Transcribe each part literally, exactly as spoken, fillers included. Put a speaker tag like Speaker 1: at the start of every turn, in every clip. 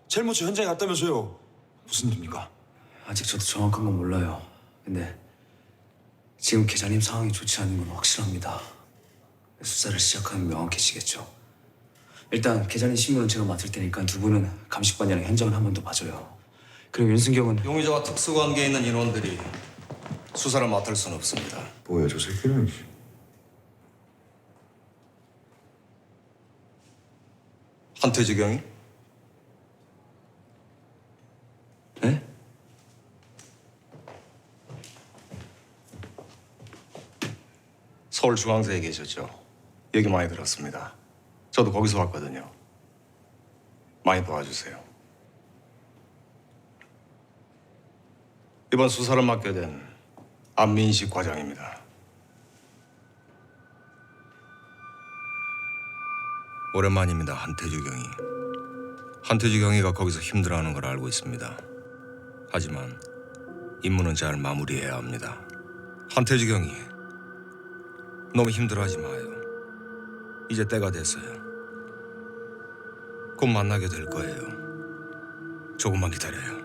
Speaker 1: 제일 먼저 현장에 갔다면서요. 무슨 일입니까?
Speaker 2: 아직 저도 정확한 건 몰라요. 근데 지금 계장님 상황이 좋지 않은 건 확실합니다. 수사를 시작하면 명확해지겠죠. 일단 계장님 신문은 제가 맡을 테니까 두 분은 감식반이랑 현장을 한 번 더 봐줘요. 그리고 윤승경은
Speaker 3: 용의자와 특수관계에 있는 인원들이 수사를 맡을 수는 없습니다.
Speaker 1: 뭐야 저 새끼는.
Speaker 3: 한태지경이?
Speaker 2: 네?
Speaker 3: 서울중앙서에 계셨죠. 얘기 많이 들었습니다. 저도 거기서 왔거든요. 많이 도와주세요. 이번 수사를 맡게 된 안민식 과장입니다. 오랜만입니다, 한태주 경위. 한태주 경위가 거기서 힘들어하는 걸 알고 있습니다. 하지만 임무는 잘 마무리해야 합니다. 한태주 경위, 너무 힘들어하지 마요. 이제 때가 됐어요. 곧 만나게 될 거예요. 조금만 기다려요.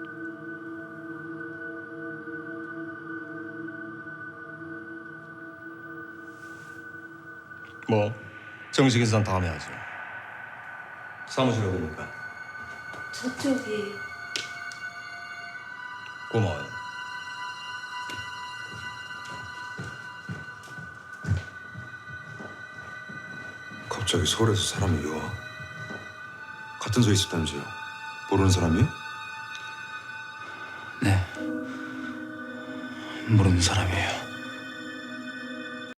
Speaker 3: 뭐 정식 인사는 다음에 하죠. 사무실 어디입니까?
Speaker 4: 저쪽이.
Speaker 3: 고마워요.
Speaker 1: 갑자기 서울에서 사람이 와? 같은 소에 있었다면서요? 모르는 사람이요?
Speaker 2: 네 모르는 사람이에요.